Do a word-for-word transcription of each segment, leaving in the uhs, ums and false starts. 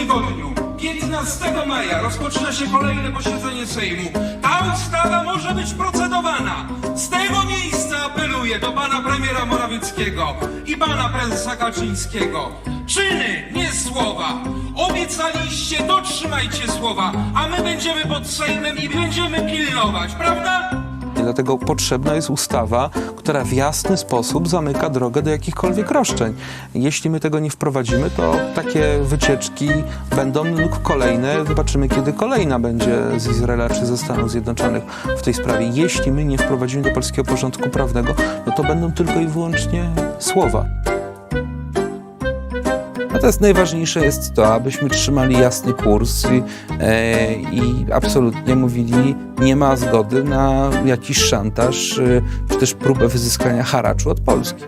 tygodniu, piętnastego maja, rozpoczyna się kolejne posiedzenie Sejmu. Ta ustawa może być procedowana. Z tego miejsca apeluję do pana premiera Morawieckiego i pana prezesa Kaczyńskiego. Czyny, nie słowa. Obiecaliście, dotrzymajcie słowa, a my będziemy pod Sejmem i będziemy pilnować, prawda? Dlatego potrzebna jest ustawa, która w jasny sposób zamyka drogę do jakichkolwiek roszczeń. Jeśli my tego nie wprowadzimy, to takie wycieczki będą lub kolejne. Zobaczymy, kiedy kolejna będzie z Izraela czy ze Stanów Zjednoczonych w tej sprawie. Jeśli my nie wprowadzimy do polskiego porządku prawnego, no to będą tylko i wyłącznie słowa. Natomiast najważniejsze jest to, abyśmy trzymali jasny kurs i, e, i absolutnie mówili, nie ma zgody na jakiś szantaż, e, czy też próbę wyzyskania haraczu od Polski.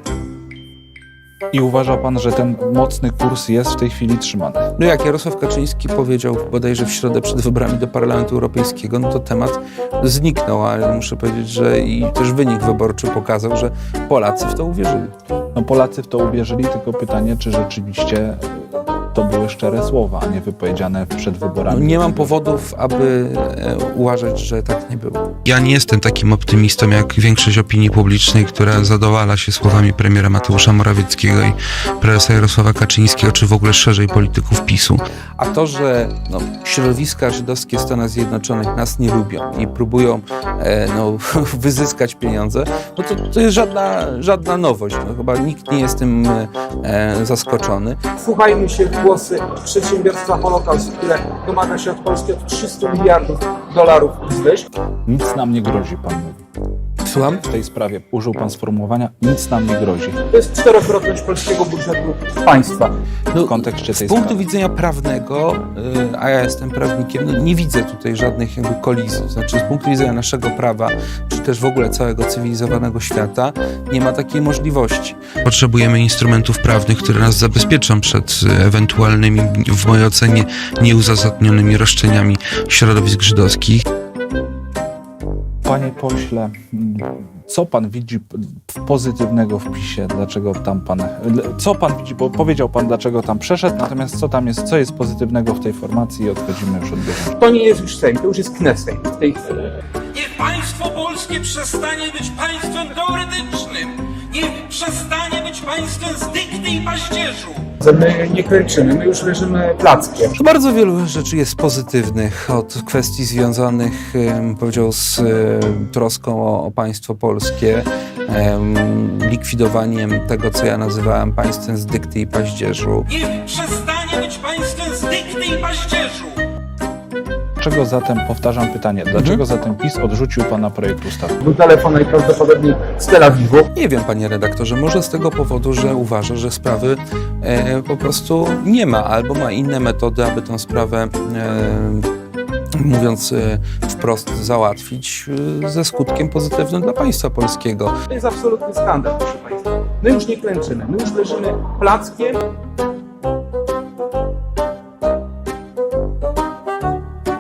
I uważa pan, że ten mocny kurs jest w tej chwili trzymany? No jak Jarosław Kaczyński powiedział bodajże w środę przed wyborami do Parlamentu Europejskiego, no to temat zniknął, ale muszę powiedzieć, że i też wynik wyborczy pokazał, że Polacy w to uwierzyli. No Polacy w to uwierzyli, tylko pytanie, czy rzeczywiście to były szczere słowa, a nie wypowiedziane przed wyborami. No nie mam powodów, aby e, uważać, że tak nie było. Ja nie jestem takim optymistą jak większość opinii publicznej, która zadowala się słowami premiera Mateusza Morawieckiego i prezesa Jarosława Kaczyńskiego, czy w ogóle szerzej polityków PiSu. A to, że no, środowiska żydowskie Stanów Zjednoczonych nas nie lubią i próbują e, no, wyzyskać pieniądze, no to, to jest żadna, żadna nowość. No, chyba nikt nie jest tym e, zaskoczony. Wsłuchajmy się w głosy przedsiębiorstwa Holokaust, które domaga się od Polski od trzystu miliardów dolarów wzwyż. Nic nam nie grozi, pan mówi. Słucham? W tej sprawie użył pan sformułowania, nic nam nie grozi. To jest czterokrotność polskiego budżetu państwa. No, W kontekście tej z punktu sprawy. widzenia prawnego, y, a ja jestem prawnikiem, no, nie widzę tutaj żadnych jakby kolizji. Znaczy z punktu widzenia naszego prawa, czy też w ogóle całego cywilizowanego świata, nie ma takiej możliwości. Potrzebujemy instrumentów prawnych, które nas zabezpieczą przed ewentualnymi, w mojej ocenie, nieuzasadnionymi roszczeniami środowisk żydowskich. Panie pośle, co pan widzi pozytywnego w PiSie? Dlaczego tam pan... Co pan widzi? Bo powiedział pan, dlaczego tam przeszedł, natomiast co tam jest, co jest pozytywnego w tej formacji i odchodzimy już od bieżącego. To nie jest już Sejm, to już jest Knesset w tej chwili. Niech państwo polskie przestanie być państwem teoretycznym. Niech przestanie być państwem z dykty i paździerzu. My nie kręczymy, my już leżymy plackiem. Bardzo wielu rzeczy jest pozytywnych, od kwestii związanych, em, powiedział, z em, troską o, o państwo polskie, em, likwidowaniem tego, co ja nazywałem państwem z dykty i paździerzu. Niech przestanie być państwem z dykty i paździerzu. Dlaczego zatem, powtarzam pytanie, dlaczego zatem PiS odrzucił pana projekt ustawy? Był telefon najprawdopodobniej z Tel Awiwu. Nie wiem, panie redaktorze, może z tego powodu, że uważa, że sprawy e, po prostu nie ma, albo ma inne metody, aby tę sprawę, e, mówiąc e, wprost, załatwić e, ze skutkiem pozytywnym dla państwa polskiego. To jest absolutny skandal, proszę państwa. My już nie klęczymy, my już leżymy plackiem